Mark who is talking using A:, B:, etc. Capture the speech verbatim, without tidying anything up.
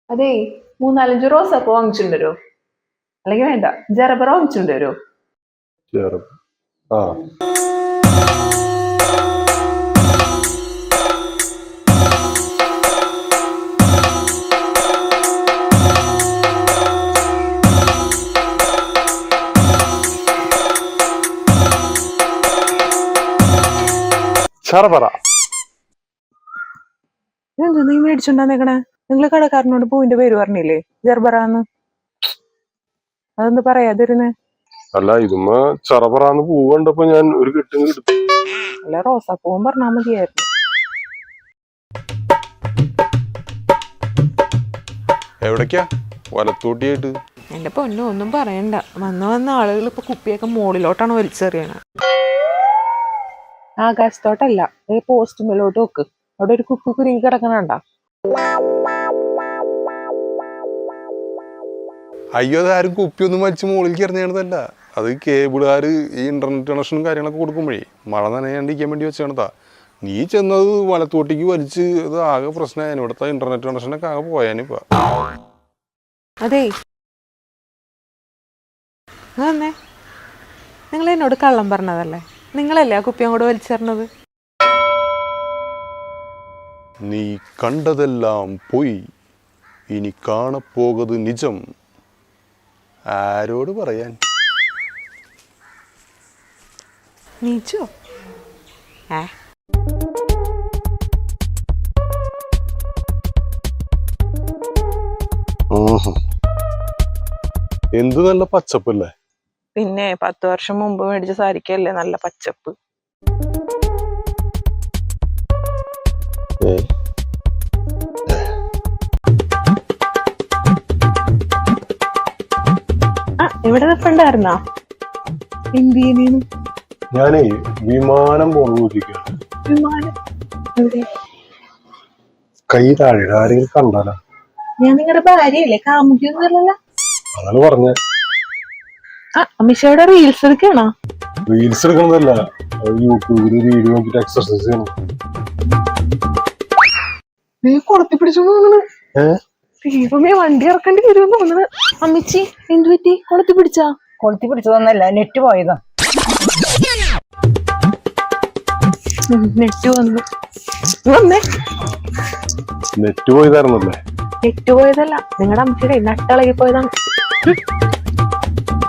A: അതേ മൂന്നാലഞ്ച് റോസപ്പൂ വാങ്ങിച്ചിട്ട് വരുമോ? അല്ലെങ്കിൽ വേണ്ട ജറബറ വാങ്ങിച്ചിട്ട് വരുമോ?
B: ആ
A: എന്താ നീ മേടിച്ചുണ്ടാന്നേക്കണേ? നിങ്ങള് കടക്കാരനോട് പൂവിന്റെ പേര് പറഞ്ഞില്ലേ ജർബറാന്ന്? അതൊന്ന് പറയാതിരുന്നേ.
B: അല്ല ഇതുമ്മ ചറപറാന്ന് പൂ കണ്ടപ്പോ ഞാൻ ഒരു കെട്ടും എടുത്തു.
A: അല്ല റോസാപ്പൂവും പറഞ്ഞാ മതിയായിരുന്നു.
B: എവിടേക്കാ? വലത്തോട്ടിയായിട്ട്.
A: എന്റെ പൊന്നോ ഒന്നും പറയണ്ട. വന്ന് വന്ന ആളുകൾ ഇപ്പൊ കുപ്പിയൊക്കെ മുകളിലോട്ടാണ് വലിച്ചെറിയണത്. ആകാശത്തോട്ടല്ല, ഈ പോസ്റ്റുമേലോട്ട് വെക്ക്. അവിടെ ഒരു കുപ്പി കുരുങ്ങി കിടക്കണണ്ട.
B: അയ്യോ അതാരും കുപ്പിയൊന്നും വലിച്ച് മുകളിൽ എറിഞ്ഞതല്ല. അത് കേബിളുകാര് ഈ ഇന്റർനെറ്റ് കണക്ഷനും കാര്യങ്ങളൊക്കെ കൊടുക്കുമ്പോഴേ മഴ നനയാണ്ടിരിക്കാൻ വേണ്ടി വെച്ചാണതാ. നീ ചെന്നത് വലത്തോട്ടിക്ക് വലിച്ച് അത് ആകെ പ്രശ്നമായി. ഇവിടുത്തെ ഇന്റർനെറ്റ് കണക്ഷനൊക്കെ ആകെ പോയാനിപ്പ.
A: അതേ വന്നേ, നിങ്ങൾ എന്നോട് കള്ളം പറഞ്ഞതല്ലേ? നിങ്ങളല്ലേ ആ കുപ്പി അങ്ങോട്ട് വലിച്ചെറിഞ്ഞത്?
B: നീ കണ്ടതെല്ലാം പോയി, ഇനി കാണപ്പോകത് നിജം. ആരോട് പറയാൻ?
A: നീച്ചോ? ഏ
B: എന്ത് നല്ല പച്ചപ്പല്ലേ.
A: പിന്നെ പത്ത് വർഷം മുമ്പ് മേടിച്ച സാരിക്കല്ലേ നല്ല പച്ചപ്പ്. ആ ഇവിടെ നിൽപ്പുണ്ടായിരുന്നാ? എന്തിനു?
B: ഞാനേ വിമാനം പോകാൻ
A: വിമാനം എവിടെ?
B: കൈ താഴെ ആരെങ്കിലും കണ്ടാലാ?
A: ഞാൻ നിങ്ങളുടെ ഭാര്യയല്ലേ, കാമുകിയൊന്നുമല്ലല്ലോ.
B: അതാണ് പറഞ്ഞ.
A: ആ അമിഷയുടെ റീൽസ് എടുക്കണോ?
B: റീൽസ് എടുക്കുന്നതല്ല, യൂട്യൂബില് വീഡിയോ നോക്കിട്ട് എക്സർസൈസ് ചെയ്യണം.
A: നീ കൊളത്തി പിടിച്ചു തോന്നുന്നു. ദൈവമേ, വണ്ടി ഇറക്കേണ്ടി വരുമെന്ന് തോന്നുന്നു. അമ്മിച്ചി എന്തു പറ്റി? കൊളത്തി പിടിച്ചാ?
C: കൊളുത്തി പിടിച്ചതൊന്നല്ല, നെറ്റ് പോയതാ.
A: നെറ്റ് വന്നു. വന്നേ,
B: നെറ്റ് പോയതായിരുന്നല്ലേ?
A: നെറ്റ് പോയതല്ല, നിങ്ങളുടെ അമ്മച്ചിയുടെ നട്ടളകി പോയതാണ്.